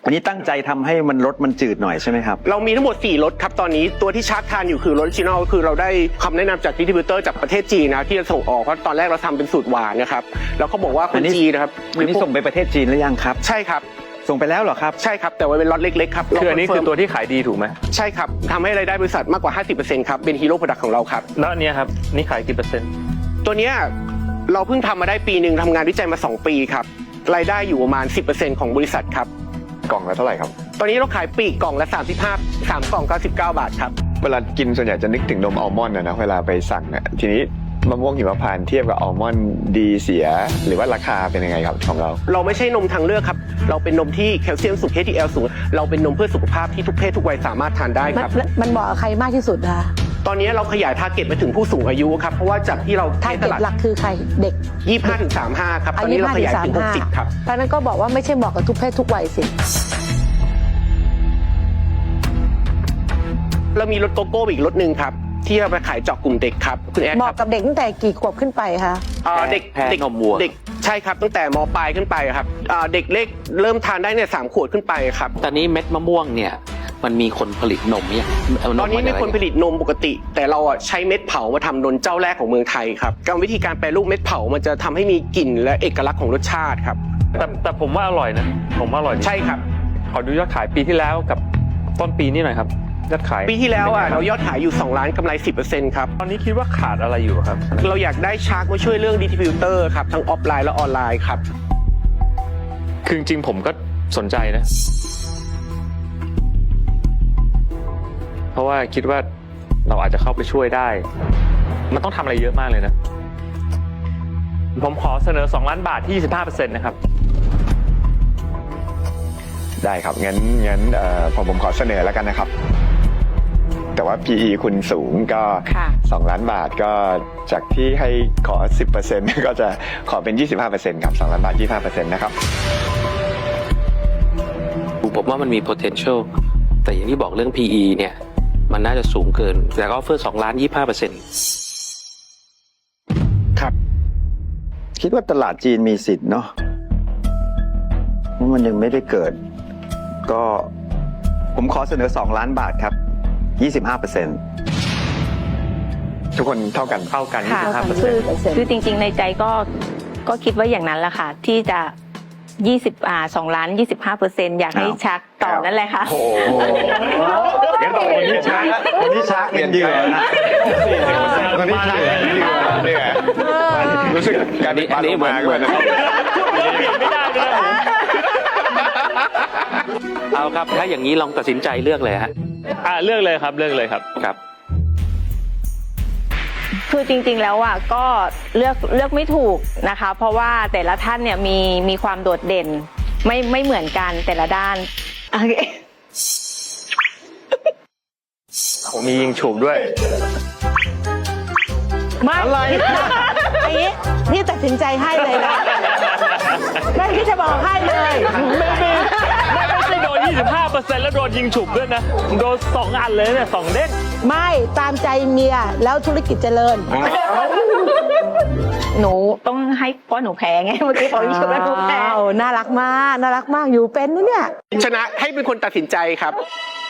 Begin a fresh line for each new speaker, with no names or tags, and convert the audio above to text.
อันนี้ตั้งใจทำให้มันรสมันจืดหน่อยใช่ไหมครับ
เรามีทั้งหมด4รสครับตอนนี้ตัวที่ชาร์จทานอยู่คือรสออริจินอลคือเราได้คำแนะนำจากดิสทริบิวเตอร์จากประเทศจีนนะที่จะส่งออกเพราะตอนแรกเราทำเป็นสูตรหวานนะครับแล้วเขาบอกว่าคนจีนนะครับ
อันนี้ส่งไปประเทศจีนหรือยังครับ
ใช่ครับ
ส่งไปแล้วเหรอครับ
ใช่ครับแต่ว่าเป็นล็อตเล็กๆครับ
คืออันนี้คือตัวที่ขายดีถูกไหม
ใช่ครับทำให้รายได้บริษัทมากกว่า 50% ครับเป็นฮีโร่โปรดักต์ของเราครับ
แล้วอันนี้ครับนี่ขายกี่เปอร์เซ็นต์
ตัวเนี้ยเราเพิ่งทำมาได้ปีหนึ่งทำงานวิจัยมา2 ปีครับรายได้อยู่ประมาณ 10% ของบริษัทครับ
กล่องละเท่าไหร่ครับ
ตอนนี้เราขายปลีกกล่องละ35 3กล่อง99 บาทครับ
เวลากินส่วนใหญ่จะนึกถึงนมอัลมอนด์นะเวลาไปสั่งเนี่ยทีนี้มะม่วงหิมพานต์เทียบกับอัลมอนด์ดีเสียหรือว่าราคาเป็นยังไงครับของเรา
เราไม่ใช่นมทางเลือกครับเราเป็นนมที่แคลเซียมสูง HDL สูงเราเป็นนมเพื่อสุขภาพที่ทุกเพศทุกวัยสามารถทานได้ครับ
มันเหมาะกับใครมากที่สุดคะ
ตอนนี้เราขยายทาร์เก็ตไปถึงผู้สูงอายุครับเพราะว่าจากที่เรา
ทาร์เก็ตหลักคือใครเด็ก
25-35ครับตอนนี้เราขยายถึง60ครับ
เพราะนั้นก็บอกว่าไม่ใช่เหมาะกับทุกเพศทุกวัยสิ
เรามีรสโกโก้อีกรสหนึ่งครับที่เราไปขายเจาะกลุ่มเด็กครับคุณแอด
เหมาะกับเด็กตั้งแต่กี่ขวบขึ้นไปคะ
เด็กนมวัวเด็กใช่ครับตั้งแต่ม.ปลายขึ้นไปครับเด็กเล็กเริ่มทานได้เนี่ย3 ขวบขึ้นไปครับ
ตอนนี้เม็ดมะม่วงเนี่ยมันมีคนผลิตนมเนี่ย
ตอนนี้มีคนผลิตนมปกติแต่เราใช้เม็ดเผามาทำนมเจ้าแรกของเมืองไทยครับกรรมวิธีการแปรรูปเม็ดเผามันจะทำให้มีกลิ่นและเอกลักษณ์ของรสชาติครับ
แต่ผมว่าอร่อยนะผมว่าอร่อย
ใช่ครับ
ขอดูยอดขายปีที่แล้วกับต้นปีนี้หน่อยครับยอดขาย
ปีที่แล้วเรายอดขายอยู่2 ล้านกำไร 10% ครับ
ตอนนี้คิดว่าขาดอะไรอยู่ครับ
เราอยากได้ชาร์กมาช่วยเรื่องดิสทริบิวเตอร์ครับทั้งออฟไลน์และออนไลน์ครับ
คือจริงๆผมก็สนใจนะเพราะว่าคิดว่าเราอาจจะเข้าไปช่วยได้มันต้องทำอะไรเยอะมากเลยนะผมขอเสนอ2 ล้านบาทที่ 25% นะครับ
ได้ครับงั้นผมขอเสนอแล้วกันนะครับแต่ว่า PE คุณสูงก็2 ล้านบาทก็จากที่ให้ขอ 10% ก็จะขอเป็น 25% ครับ2 ล้านบาท 25% นะครับ
ผมว่ามันมี potential แต่อย่างที่บอกเรื่อง PE เนี่ยมันน่าจะสูงเกินแต่ก็ออฟเฟอร์2 ล้าน 25%
ครับ
คิดว่าตลาดจีนมีสิทธิ์เนาะเพราะมันยังไม่ได้เกิดก็ผมขอเสนอ2 ล้านบาทครับ25%
ทุกคนเท่ากัน
25%
คือจริงๆในใจก็คิดว่าอย่างนั้นแหละค่ะที่จะ2 ล้าน 25% อยากให้ชักต่อนั่นแหละค่ะ
โอ้โหเดี๋ยวต่อวันนี้ชักเงินเดือนนะ
วันนี้ชักเนี่ยรู้สึกการนี้เหมือน
เอาครับถ้าอย่างนี้ลองตัดสินใจเลือกเลยฮะ
เลือกเลยครับ
ครับ
คือจริงๆแล้วก็เลือกไม่ถูกนะคะเพราะว่าแต่ละท่านเนี่ยมีความโดดเด่นไม่เหมือนกันแต่ละด้านโอเค
ผมมียิงฉุบด้วย
ไม่อะไรนี่ตัดสินใจให้เลยนะไม่ที่จะบอกให้เลย
ไม่ใช่โดน 25% แล้วโดนยิงฉุบด้วยนะโดน2 อันเลยเนี่ย2 เด้ง
ไม่ตามใจเมียแล้วธุรกิจเจริญ
หนูต้องให้เพราะหนูแพ้ไงเมื่อกี้บอกอยู่ว่าหนูแพ้
น่ารักมากอยู่เป็นนะเนี่ย
ชนะให้เป็นคนตัดสินใจครับ